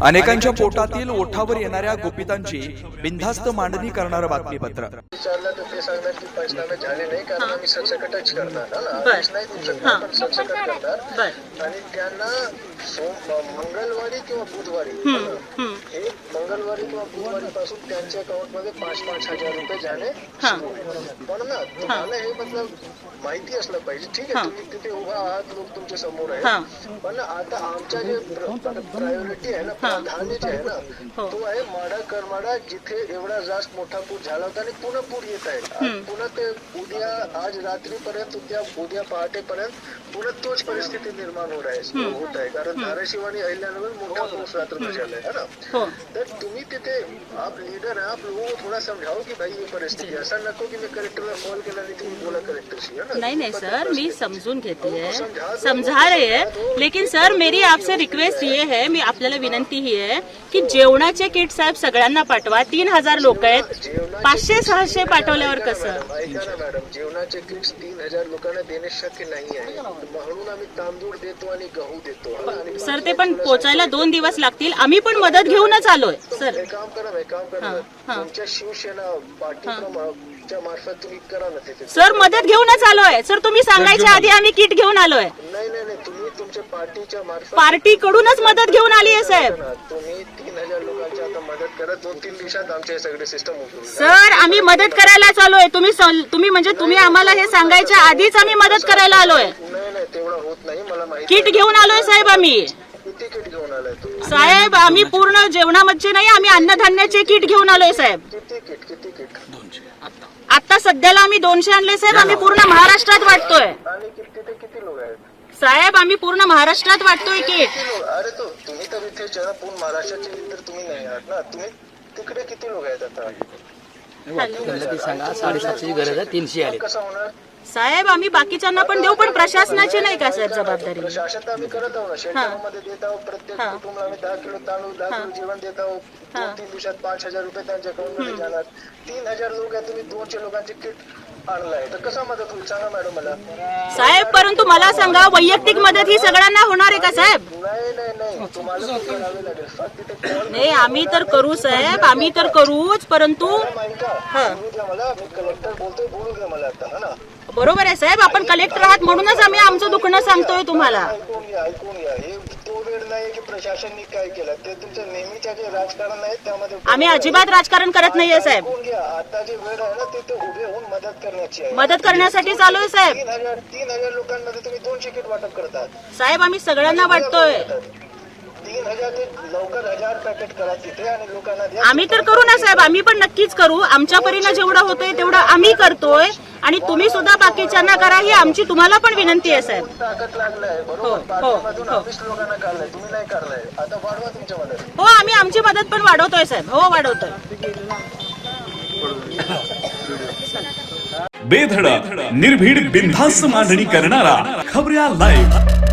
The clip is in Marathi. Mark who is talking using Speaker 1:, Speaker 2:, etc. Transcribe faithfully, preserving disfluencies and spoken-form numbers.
Speaker 1: अनेकांच्या पोटातील ओठावर येणाऱ्या गुपितांची बिनधास्त मांडणी करणारं बातमीपत्र।
Speaker 2: विचारलं तर ते सांगणार की पंचनामे झाले नाही कारण आम्ही सरसकटच करणार आदेश नाही देऊ शकणार पण सरसकट करणार आणि त्यांना मंगळवारी किंवा बुधवारी हे मंगळवारी किंवा बुधवारी पासून त्यांच्या अकाउंट मध्ये पाच पाच हजार रुपये जाणे सुरू आहे। पण ना तुम्हाला हे मतलब माहिती असलं पाहिजे, ठीक आहे तुम्ही तिथे उभा आहात, लोक तुमच्या समोर आहे, पण आता आमच्या जे प्रायोरिटी आहे ना, प्राधान्य जे आहे ना तो आहे माडा करमाडा, जिथे एवढा जास्त मोठा पूर झाला होता आणि पुन्हा पूर येत आहे। पुन्हा ते उद्या आज रात्रीपर्यंत उद्या उद्या पहाटेपर्यंत पुन्हा तोच परिस्थिती निर्माण होत आहे होत आहे कारण धाराशिव आणि अहिल्यानगर मोठा पाऊस रात्र झाला है ना। तर तुम्ही तिथे आप लीडर है, आप लोगों को थोड़ा समझाओ कि भाई ये परिस्थिति ऐसा नको की मी कलेक्टरला कॉल केला आणि तुम्ही बोला कलेक्टरशी, है ना।
Speaker 3: नहीं नहीं सर, मैं समझून घेती है, समझा रहे हैं, लेकिन सर मेरी आपसे रिक्वेस्ट ये है, मी आपल्याला विनंती ही आहे की जेवणाचे किट साहेब सगळ्यांना पाठवा। तीन हजार लोक आहेत, पाचशे सहाशे पाठवल्यावर कसं?
Speaker 2: ऐका ना मॅडम, जेवणाचे किट्स तीन हजार लोकांना देणे शक्य नाही आहे, म्हणून आम्ही तांदूळ देतो आणि गहू देतो
Speaker 3: सर। ते पण पोचायला दोन दिवस लागतील, आम्ही पण मदत घेऊनच आलोय सर।
Speaker 2: एक काम करा, एक काम करा, तुमच्या शिवसेना पार्टीच्या मार्फत तुम्ही करा ना तिथे।
Speaker 3: सर मदत घेऊनच आलोय सर, तुम्ही सांगायच्या आधी आम्ही किट घेऊन आलोय।
Speaker 2: नाही नाही नाही, तुम्ही तुमच्या पार्टीच्या मार्फत
Speaker 3: पार्टी कडूनच मदत घेऊन आली आहे साहेब।
Speaker 2: तुम्ही तीन हजार लोकांची आता मदत करा, दोन तीन दिवसात आमचे सगळे सिस्टम उघडून
Speaker 3: सर आम्ही मदत करायला आलोय, तुम्ही तुम्ही म्हणजे तुम्ही आम्हाला हे सांगायच्या आधीच आम्ही मदत करायला आलोय।
Speaker 2: नाही नाही तेवढं होत नाही, मला माहिती।
Speaker 3: किट घेऊन आलोय साहेब आम्ही।
Speaker 2: किती किट घेऊन आलाय तुम्ही
Speaker 3: साहेब? आम्ही पूर्ण जेवणामध्ये नाही, आम्ही अन्नधान्याचे किट घेऊन आलोय साहेब।
Speaker 2: किती किट किती किट
Speaker 3: आता सध्याला आम्ही दोनशे आणले साहेब, आम्ही पूर्ण महाराष्ट्रात वाटतोय।
Speaker 2: आणि किती ते किती लोक आहेत
Speaker 3: साहेब? आम्ही पूर्ण महाराष्ट्रात वाटतोय किट।
Speaker 2: अरे तो तुम्ही तर इथे जरा पूर्ण महाराष्ट्राचे तर तुम्ही नाही आहात ना, तुम्ही तिकडे किती लोक आहेत आता?
Speaker 4: सांगा साडेसातशे गरज आहे, तीनशे आले।
Speaker 2: कसं होणार
Speaker 3: साहेब? आम्ही बाकीच्यांना पण देऊ, पण प्रशासनाची नाही का साहेब जबाबदारी?
Speaker 2: प्रशासन तर आम्ही करत आहोत ना, शेल्टरमध्ये देत आहोत, प्रत्येक कुटुंबाला आम्ही दहा किलो तांदूळ दहा किलो जेवण देत आहोत, दोन तीन दिवसात पाच हजार रुपये त्यांच्या अकाउंट मध्ये जाणार। तीन हजार लोक आहेत, तुम्ही दोनशे लोकांचे किट आणलाय, तर कसा मदत होईल सांगा मॅडम मला।
Speaker 3: साहेब परंतु मला सांगा, वैयक्तिक मदत ही सगळ्यांना होणार आहे का साहेब?
Speaker 2: नाही नाही नाही, तुम्हाला करावे लागेल फक्त तिथे कॉल।
Speaker 3: नाही आम्ही तर करू साहेब, आम्ही तर करूच, परंतु
Speaker 2: बोलू द्या मला, मी कलेक्टर बोलतोय, बोलू द्या मला आता, है ना।
Speaker 3: बरोबर आहे साहेब, आपण कलेक्टर आहात म्हणूनच आम्ही आमचं दुखणं सांगतोय तुम्हाला।
Speaker 2: ऐकून घ्या ऐकून घ्या, हे तो वेळ नाही की प्रशासनाने काय केलं, ते तुमचं नेहमीच्या जे राजकारण आहे त्यामध्ये
Speaker 3: आम्ही अजिबात राजकारण करत नाहीये साहेब।
Speaker 2: ऐकून घ्या, आता जे वेळ आहे ना ते उभे होऊन मदत करण्याची आहे,
Speaker 3: मदत करण्यासाठी चालू आहे साहेब।
Speaker 2: तीन हजार तीन हजार लोकांमध्ये तुम्ही दोनशे किट वाटप करतात
Speaker 3: साहेब, आम्ही सगळ्यांना वाटतोय।
Speaker 2: तीन हजार ते लवकर हजार पॅकेट करा तिथे आणि लोकांना द्या।
Speaker 3: आम्ही तर करू ना साहेब, आम्ही पण नक्कीच करू, आमच्या परीने जेवढं होतंय तेवढं आम्ही करतोय आणि तुम्ही सुद्धा बाकीच्यांना करा, ही आमची तुम्हाला पण विनंती आहे साहेब।
Speaker 2: ताकद लागलाय बरोबर, पाठीमधून वीस लोकांना काढलाय, तुम्ही नाही काढलाय, आता वाढवा तुमच्या मदत।
Speaker 3: हो आम्ही आमची मदत पण वाढवतोय साहेब, हो वाढवतोय।
Speaker 5: बेधडक निर्भीड बिनधास्त मांडणी करणारा खबऱ्या लाईव्ह।